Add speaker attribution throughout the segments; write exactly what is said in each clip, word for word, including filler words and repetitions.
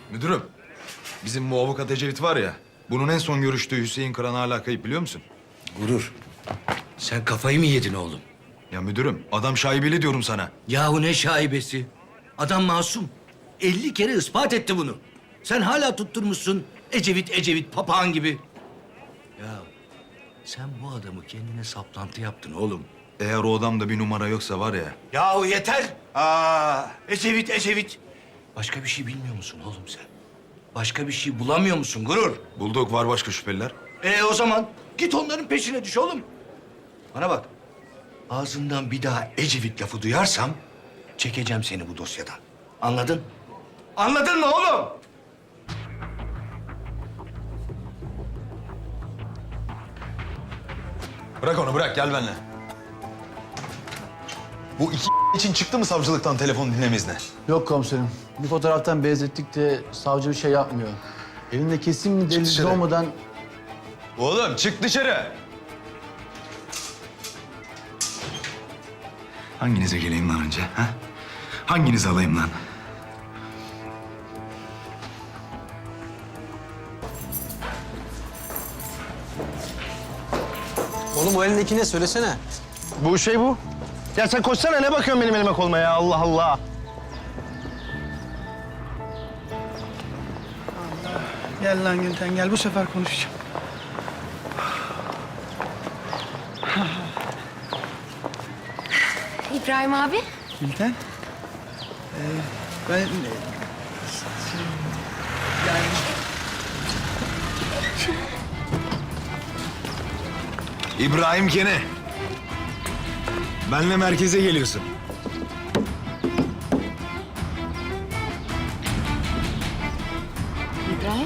Speaker 1: Müdürüm, bizim bu avukat Ecevit var ya, bunun en son görüştüğü Hüseyin Kıran hala kayıp biliyor musun?
Speaker 2: Gurur. Sen kafayı mı yedin oğlum?
Speaker 1: Ya müdürüm, adam şaibeli diyorum sana.
Speaker 2: Yahu ne şaibesi? Adam masum. elli kere ispat etti bunu. Sen hala tutturmuşsun Ecevit Ecevit papağan gibi. Ya sen bu adamı kendine saplantı yaptın oğlum.
Speaker 1: Eğer o adamda bir numara yoksa var ya...
Speaker 2: Yahu yeter. Aa, Ecevit Ecevit. Başka bir şey bilmiyor musun oğlum sen? Başka bir şey bulamıyor musun Gurur?
Speaker 1: Bulduk, var başka şüpheliler.
Speaker 2: Ee o zaman git onların peşine düş oğlum. Bana bak. Ağzından bir daha Ecevit lafı duyarsam çekeceğim seni bu dosyadan. Anladın? Anladın mı oğlum?
Speaker 1: Bırak onu, bırak. Gel benimle. Bu iki için çıktı mı savcılıktan telefon dinleme izni?
Speaker 3: Yok komiserim. Bir fotoğraftan benzettik de savcı bir şey yapmıyor. Elinde kesin bir delil
Speaker 1: dışarı.
Speaker 3: olmadan
Speaker 1: Oğlum çık dışarı. Hanginize geleyim lan önce? Ha? Hanginizi alayım lan?
Speaker 4: Oğlum o elindeki ne? Söylesene.
Speaker 5: Bu şey bu. Ya sen koşsana, ne bakıyorsun benim elime koluma ya, Allah Allah.
Speaker 6: Gel lan Gülten gel, bu sefer konuşacağım.
Speaker 7: İbrahim abi.
Speaker 6: Gülten. Ee, ben... e, şey, yani...
Speaker 1: İbrahim Kene. Benle merkeze geliyorsun.
Speaker 7: İbrahim.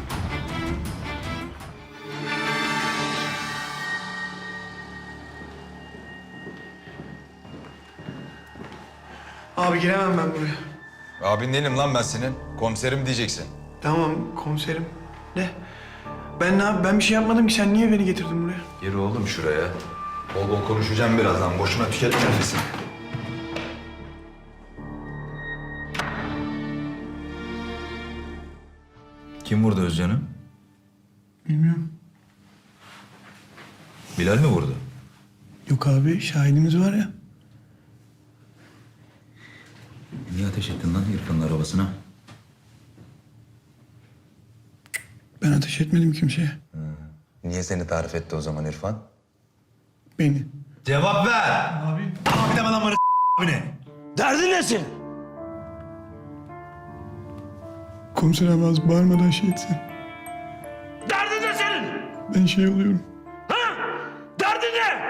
Speaker 6: Abi giremem ben buraya.
Speaker 1: Abin değilim lan ben senin. Komiserim diyeceksin.
Speaker 6: Tamam komiserim. Ne? Ben ne yap- Ben bir şey yapmadım ki, sen niye beni getirdin buraya?
Speaker 1: Gir oğlum şuraya. Bol bol konuşacağım birazdan. Boşuna tüketme nefesini. Kim vurdu Özcan'ı?
Speaker 6: Bilmiyorum.
Speaker 1: Bilal mi vurdu?
Speaker 6: Yok abi, şahidimiz var ya.
Speaker 1: Niye ateş ettin lan İrfan'ın arabasına?
Speaker 6: Ben ateş etmedim kimseye.
Speaker 1: Niye seni tarif etti o zaman İrfan?
Speaker 6: Beni.
Speaker 1: Cevap ver!
Speaker 6: Abi.
Speaker 1: Abi deme lan bana abine.
Speaker 2: Derdin ne senin?
Speaker 6: Komiser abi az bağırmadan şey etsen.
Speaker 2: Derdin ne senin?
Speaker 6: Ben şey oluyorum.
Speaker 2: Derdin ne?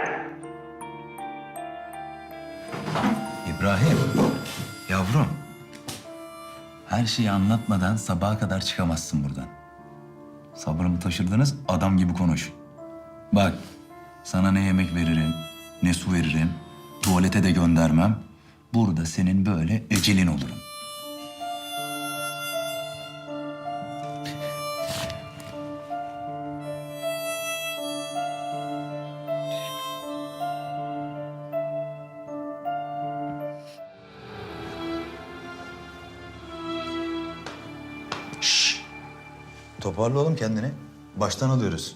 Speaker 8: İbrahim, yavrum. Her şeyi anlatmadan sabaha kadar çıkamazsın buradan. Sabrımı taşırdınız, adam gibi konuş. Bak, sana ne yemek veririm, ne su veririm, tuvalete de göndermem. Burada senin böyle ecelin olurum.
Speaker 1: Toparla oğlum kendini. Baştan alıyoruz.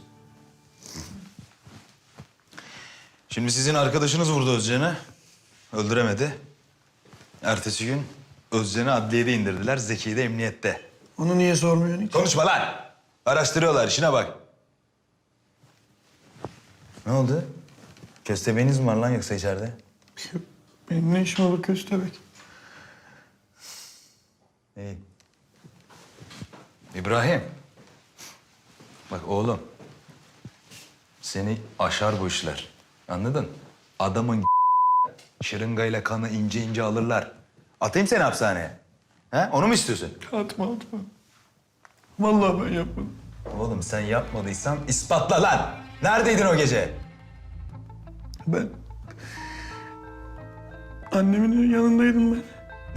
Speaker 1: Şimdi sizin arkadaşınız vurdu Özcan'ı. Öldüremedi. Ertesi gün Özcan'ı adliyede indirdiler. Zeki'yi de emniyette.
Speaker 6: Onu niye sormuyorsun hiç?
Speaker 1: Konuşma lan! Araştırıyorlar, işine bak. Ne oldu? Köstebeğiniz mi var lan yoksa içeride?
Speaker 6: Benim ne işim olur köstebek?
Speaker 1: İyi. İbrahim. Bak oğlum. Seni aşar bu işler. Anladın? Adamın şırıngayla kanı ince ince alırlar. Atayım seni hapishaneye. He? Onu mu istiyorsun?
Speaker 6: Atma atma. Vallahi ben yapmadım.
Speaker 1: Oğlum sen yapmadıysan ispatla lan. Neredeydin o gece?
Speaker 6: Ben... Annemin yanındaydım ben.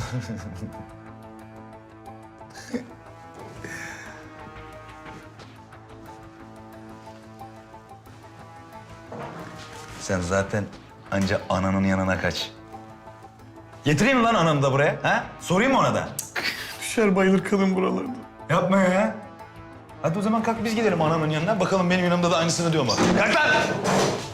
Speaker 1: Sen zaten anca ananın yanına kaç. Getireyim mi lan ananı da buraya? Ha? Sorayım mı ona da?
Speaker 6: Düşer bayılır kadın buralarda.
Speaker 1: Yapma ya. Hadi o zaman kalk biz gidelim anamın yanına. Bakalım benim yanımda da aynısını diyor mu? Kalk lan!